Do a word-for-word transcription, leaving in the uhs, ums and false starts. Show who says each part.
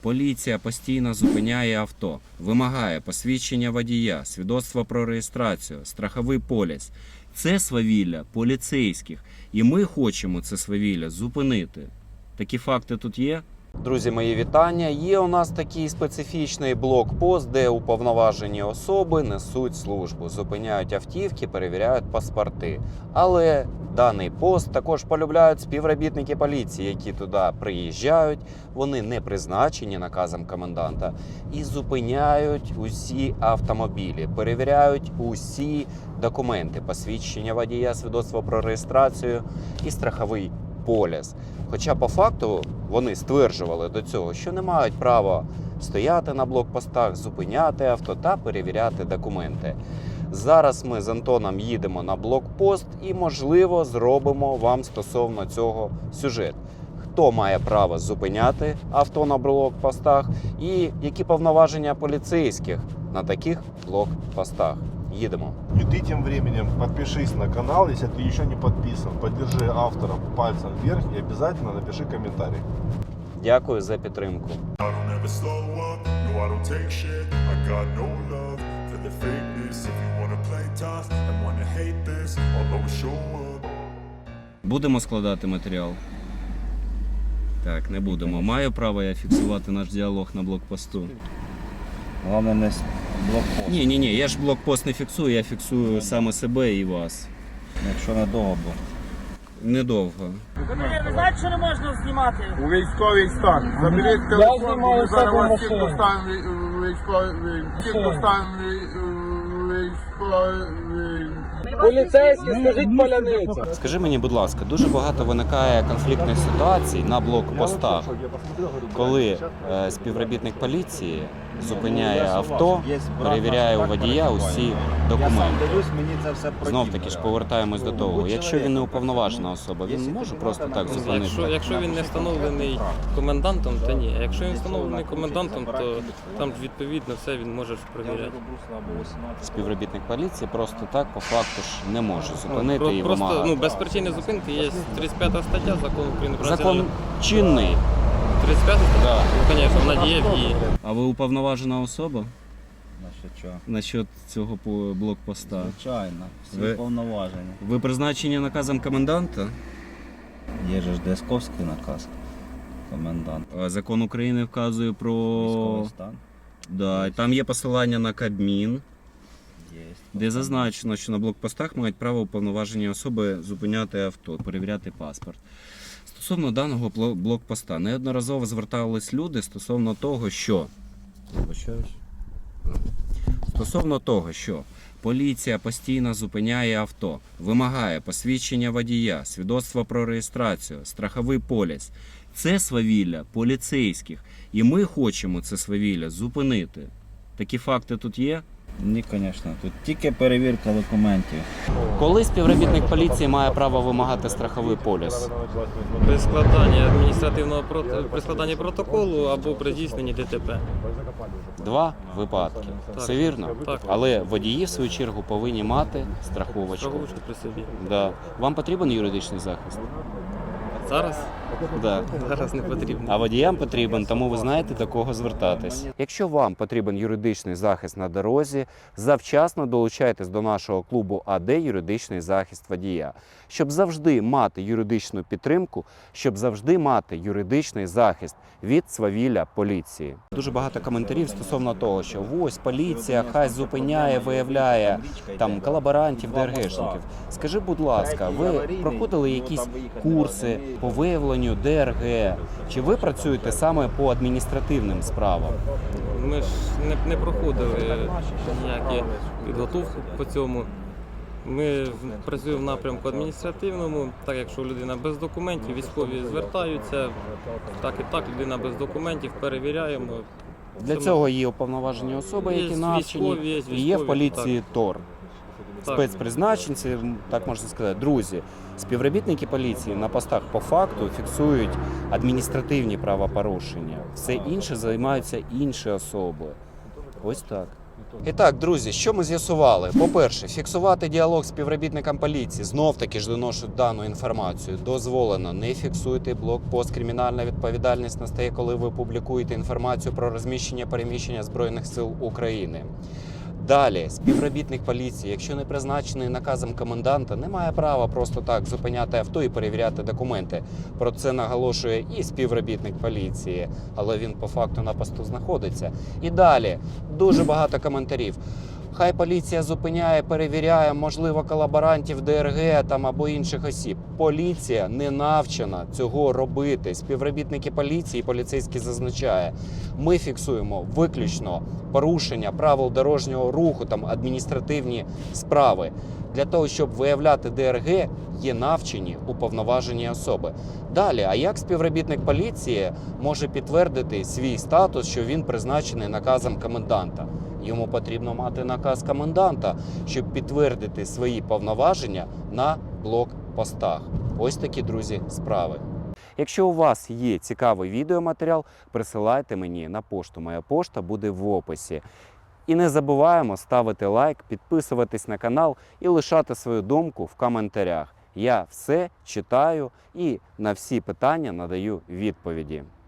Speaker 1: Поліція постійно зупиняє авто, вимагає посвідчення водія, свідоцтво про реєстрацію, страховий поліс. Це свавілля поліцейських. І ми хочемо це свавілля зупинити. Такі факти тут є? Друзі, мої вітання. Є у нас такий специфічний блокпост, де уповноважені особи несуть службу, зупиняють автівки, перевіряють паспорти. Але даний пост також полюбляють співробітники поліції, які туди приїжджають. Вони не призначені наказом коменданта і зупиняють усі автомобілі, перевіряють усі документи, посвідчення водія, свідоцтво про реєстрацію і страховий поліс. Хоча по факту вони стверджували до цього, що не мають права стояти на блокпостах, зупиняти авто та перевіряти документи. Зараз ми з Антоном їдемо на блокпост і, можливо, зробимо вам стосовно цього сюжет. Хто має право зупиняти авто на блокпостах і які повноваження поліцейських на таких блокпостах. Їдемо.
Speaker 2: И ты тем временем подпишись на канал, если ты еще не подписан. Поддержи автора пальцем вверх и обязательно напиши комментарий.
Speaker 1: Дякую за підтримку. Будемо складати матеріал? Так, не будемо. Маю право я фіксувати наш діалог на блокпосту?
Speaker 3: Головне не блокпост.
Speaker 1: Ні, ні, ні, я ж блокпост не фіксую, я фіксую саме себе і вас.
Speaker 3: Якщо недовго було.
Speaker 1: Недовго.
Speaker 4: Ви знаєте, що не можна знімати?
Speaker 2: У військовий стан. Заберіть телефон, ми зараз вас всіх поставимо військовий. Всіх поставимо військовий.
Speaker 4: Поліцейські, скажіть поляниця.
Speaker 1: Скажи мені, будь ласка, дуже багато виникає конфліктних ситуацій на блокпостах, коли е, співробітник поліції зупиняє авто, перевіряє у водія усі документи. Знов таки ж повертаємось до того, якщо він не уповноважена особа, він може просто так зупинити?
Speaker 5: Якщо, якщо він не встановлений комендантом, то ні. А якщо він встановлений комендантом, то там відповідно все він може перевіряти.
Speaker 1: Співробітник поліції просто так по факту ж не може зупинити
Speaker 5: Про,
Speaker 1: і
Speaker 5: просто
Speaker 1: вимагати.
Speaker 5: ну, без причини зупинки є тридцять п'ята стаття закону України про
Speaker 1: Закон
Speaker 5: національну-
Speaker 1: чинний.
Speaker 5: тридцять п'ята стаття?
Speaker 1: Да.
Speaker 5: Ну, звісно, вона діє в дії.
Speaker 1: А ви уповноважена особа
Speaker 3: Значить, що?
Speaker 1: насчет цього по- блокпоста?
Speaker 3: Звичайно, всі
Speaker 1: Ви-
Speaker 3: повноваження.
Speaker 1: Ви призначені наказом коменданта?
Speaker 3: Є же ж Десковський наказ. Комендант.
Speaker 1: А Закон України вказує про...
Speaker 3: Військовий стан.
Speaker 1: Да, і там є посилання на Кабмін,
Speaker 3: Є.
Speaker 1: де зазначено, що на блокпостах мають право уповноважені особи зупиняти авто, перевіряти паспорт. Стосовно даного бло- блокпоста, неодноразово звертались люди стосовно того, що... Вибачаюсь. Стосовно того, що поліція постійно зупиняє авто, вимагає посвідчення водія, свідоцтво про реєстрацію, страховий поліс. Це свавілля поліцейських. І ми хочемо це свавілля зупинити. Такі факти тут є?
Speaker 3: Ні, звісно. Тут тільки перевірка документів.
Speaker 1: Коли співробітник поліції має право вимагати страховий поліс?
Speaker 5: При складанні адміністративного прот- при складанні протоколу або при здійсненні ДТП.
Speaker 1: Два випадки.
Speaker 5: Так.
Speaker 1: Все вірно?
Speaker 5: Так.
Speaker 1: Але водії, в свою чергу, повинні мати страховочку.
Speaker 5: Страховочку при собі.
Speaker 1: Да. Вам потрібен юридичний захист?
Speaker 5: Зараз?
Speaker 1: Да.
Speaker 5: Зараз не потрібно.
Speaker 1: А водіям потрібен, тому ви знаєте, до кого звертатись. Якщо вам потрібен юридичний захист на дорозі, завчасно долучайтесь до нашого клубу АД «Юридичний захист водія», щоб завжди мати юридичну підтримку, щоб завжди мати юридичний захист від свавілля поліції. Дуже багато коментарів стосовно того, що ось поліція хай зупиняє, виявляє там колаборантів, ДРГшників. Скажи, будь ласка, ви проходили якісь курси по виявленню ДРГ? Чи ви працюєте саме по адміністративним справам?
Speaker 5: Ми ж не, не проходили ніякі підготовки по цьому. Ми працюємо в напрямку адміністративному, так якщо людина без документів, військові звертаються, так і так, людина без документів, перевіряємо.
Speaker 1: Для
Speaker 5: Це
Speaker 1: цього є уповноважені особи,
Speaker 5: Є
Speaker 1: які
Speaker 5: військові,
Speaker 1: навчені,
Speaker 5: є
Speaker 1: і
Speaker 5: військові,
Speaker 1: є в поліції ТОР.
Speaker 5: Так.
Speaker 1: Спецпризначенці, так можна сказати. Друзі, співробітники поліції на постах по факту фіксують адміністративні правопорушення. Все інше займаються інші особи. Ось так. І так, друзі, що ми з'ясували? По-перше, фіксувати діалог з співробітником поліції, знов-таки ж доношу дану інформацію, дозволено. Не фіксуйте блокпост. Кримінальна відповідальність настає, коли ви публікуєте інформацію про розміщення переміщення Збройних сил України. Далі, співробітник поліції, якщо не призначений наказом коменданта, не має права просто так зупиняти авто і перевіряти документи. Про це наголошує і співробітник поліції, але він по факту на посту знаходиться. І далі, дуже багато коментарів. Хай поліція зупиняє, перевіряє, можливо, колаборантів ДРГ там або інших осіб. Поліція не навчена цього робити. Співробітники поліції, поліцейські зазначає, ми фіксуємо виключно порушення правил дорожнього руху, там адміністративні справи. Для того, щоб виявляти ДРГ, є навчені уповноважені особи. Далі, а як співробітник поліції може підтвердити свій статус, що він призначений наказом коменданта? Йому потрібно мати наказ коменданта, щоб підтвердити свої повноваження на блокпостах. Ось такі, друзі, справи. Якщо у вас є цікавий відеоматеріал, присилайте мені на пошту. Моя пошта буде в описі. І не забуваємо ставити лайк, підписуватись на канал і лишати свою думку в коментарях. Я все читаю і на всі питання надаю відповіді.